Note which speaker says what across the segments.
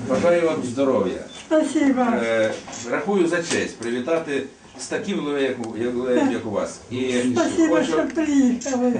Speaker 1: Бажаю вам здоров'я.
Speaker 2: Спасибо.
Speaker 1: Рахую за честь привітати з таким ювілеєм, як у вас.
Speaker 2: Спасибо, що приїхали.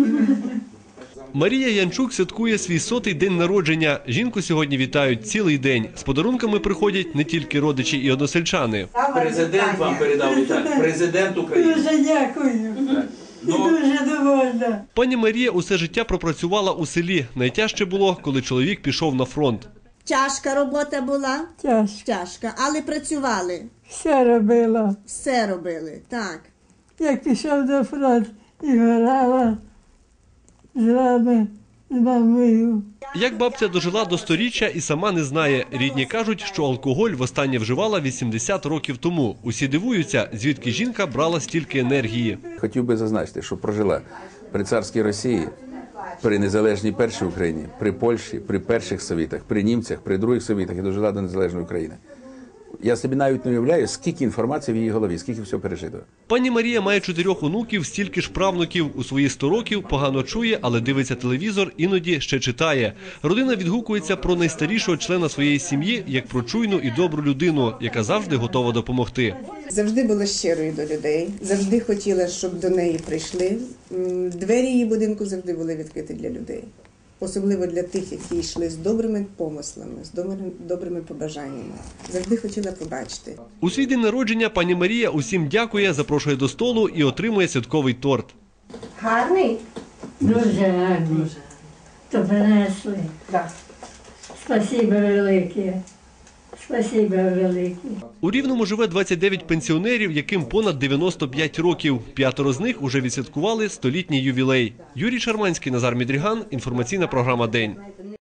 Speaker 3: Марія Янчук святкує свій 100-й день народження. Жінку сьогодні вітають цілий день. З подарунками приходять не тільки родичі і односельчани.
Speaker 1: Президент вам передав вітання. Президент України.
Speaker 2: Дуже дякую. І дуже довольна.
Speaker 3: Пані Марія усе життя пропрацювала у селі. Найтяжче було, коли чоловік пішов на фронт.
Speaker 4: Тяжка робота була?
Speaker 2: Тяжко.
Speaker 4: Тяжка, але працювали.
Speaker 2: Все робила.
Speaker 4: Все робили, так.
Speaker 2: Як пішов до фронту і грала з вами, з мамою.
Speaker 3: Як бабця дожила до 100-річчя і сама не знає. Рідні кажуть, що алкоголь востаннє вживала 80 років тому. Усі дивуються, звідки жінка брала стільки енергії.
Speaker 1: Хотів би зазначити, що прожила при царській Росії, при незалежній першій Україні, при Польщі, при перших совітах, при німцях, при других совітах і дожила до незалежної України. Я собі навіть не уявляю, скільки інформації в її голові, скільки всього пережито.
Speaker 3: Пані Марія має 4 онуків, стільки ж правнуків. У свої 100 років погано чує, але дивиться телевізор, іноді ще читає. Родина відгукується про найстарішого члена своєї сім'ї, як про чуйну і добру людину, яка завжди готова допомогти.
Speaker 5: Завжди була щирою до людей, завжди хотіла, щоб до неї прийшли. Двері її будинку завжди були відкриті для людей. Особливо для тих, які йшли з добрими помислами, з добрими побажаннями. Завжди хотіла побачити.
Speaker 3: У свій день народження пані Марія усім дякує, запрошує до столу і отримує святковий торт.
Speaker 5: Гарний?
Speaker 2: Дуже гарний. То принесли.
Speaker 5: Так.
Speaker 2: Спасибо велике. Спасибо велике.
Speaker 3: У Рівному живе 29 пенсіонерів, яким понад 95 років. 5 з них уже відсвяткували 100-літній ювілей. Юрій Шарманський, Назар Мідріган. Інформаційна програма «День».